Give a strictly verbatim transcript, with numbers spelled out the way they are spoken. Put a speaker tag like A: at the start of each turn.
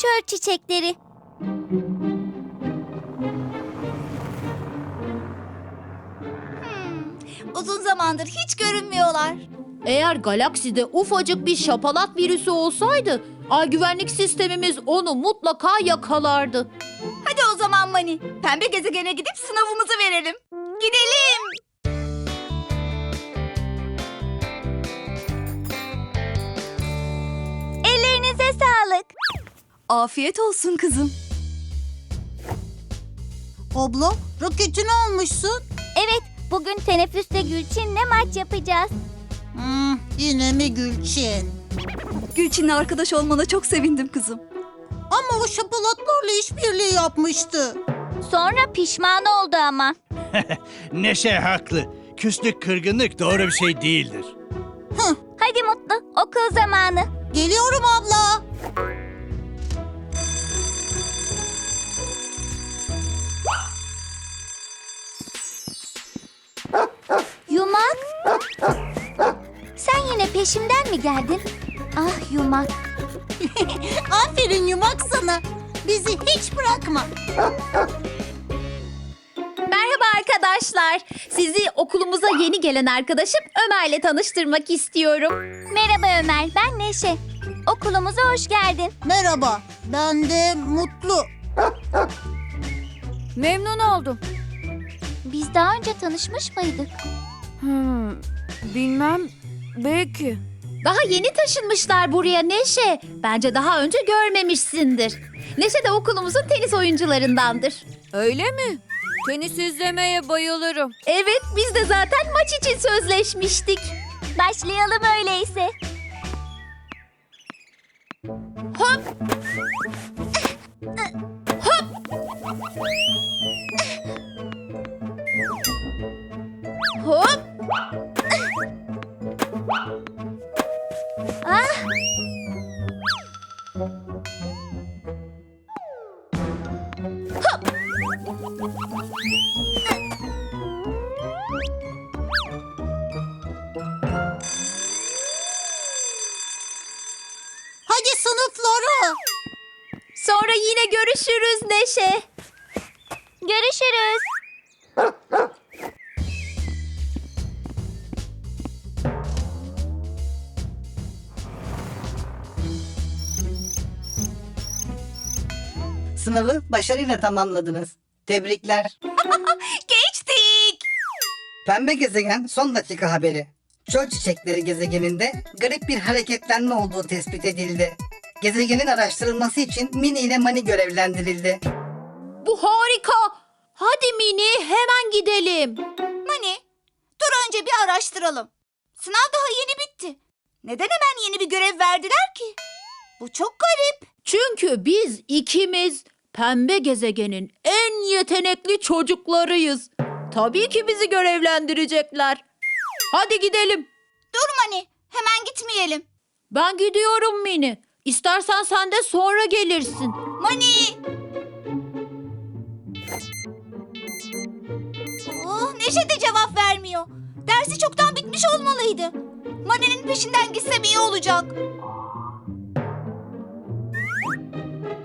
A: çöl çiçekleri.
B: Hmm, uzun zamandır hiç görünmüyorlar.
C: Eğer galakside ufacık bir şapalat virüsü olsaydı, ay güvenlik sistemimiz onu mutlaka yakalardı.
B: Hadi o zaman Mani, pembe gezegene gidip sınavımızı verelim. Gidelim.
A: Ellerinize sağlık.
B: Afiyet olsun kızım.
D: Abla, raketini almışsın.
A: Evet, bugün teneffüste Gülçin'le maç yapacağız.
D: Hmm, yine mi Gülçin?
B: Gülçin'le arkadaş olmana çok sevindim kızım.
D: Ama o şapalatlarla işbirliği yapmıştı.
A: Sonra pişman oldu ama.
E: Neşe haklı. Küslük, kırgınlık doğru bir şey değildir.
A: Hadi Mutlu, okul zamanı.
D: Geliyorum abla.
A: Yumak. Sen yine peşimden mi geldin? Ah Yumak.
D: Aferin yumak sana. Bizi hiç bırakma.
C: Merhaba arkadaşlar. Sizi okulumuza yeni gelen arkadaşım Ömer'le tanıştırmak istiyorum.
A: Merhaba Ömer, ben Neşe. Okulumuza hoş geldin.
D: Merhaba, ben de Mutlu.
F: Memnun oldum.
A: Biz daha önce tanışmış mıydık?
F: Hmm, bilmem. Belki.
C: Daha yeni taşınmışlar buraya Neşe. Bence daha önce görmemişsindir. Neşe de okulumuzun tenis oyuncularındandır.
F: Öyle mi? Tenis izlemeye bayılırım.
C: Evet, biz de zaten maç için sözleşmiştik.
A: Başlayalım öyleyse.
C: Hop! Hop!
A: Ah!
D: Hadi sınıflara.
C: Sonra yine görüşürüz Neşe.
A: Görüşürüz.
G: Sınavı başarıyla tamamladınız. Tebrikler.
B: Geçtik.
G: Pembe gezegen son dakika haberi. Çöl çiçekleri gezegeninde garip bir hareketlenme olduğu tespit edildi. Gezegenin araştırılması için Mini ile Mani görevlendirildi.
C: Bu harika. Hadi Mini hemen gidelim.
B: Mani, dur önce bir araştıralım. Sınav daha yeni bitti. Neden hemen yeni bir görev verdiler ki? Bu çok garip.
C: Çünkü biz ikimiz pembe gezegenin en yetenekli çocuklarıyız. Tabii ki bizi görevlendirecekler. Hadi gidelim.
B: Dur Mani, hemen gitmeyelim.
C: Ben gidiyorum Mini. İstersen sen de sonra gelirsin.
B: Mani! Oh, Neşe de cevap vermiyor. Dersi çoktan bitmiş olmalıydı. Mani'nin peşinden gitsem iyi olacak.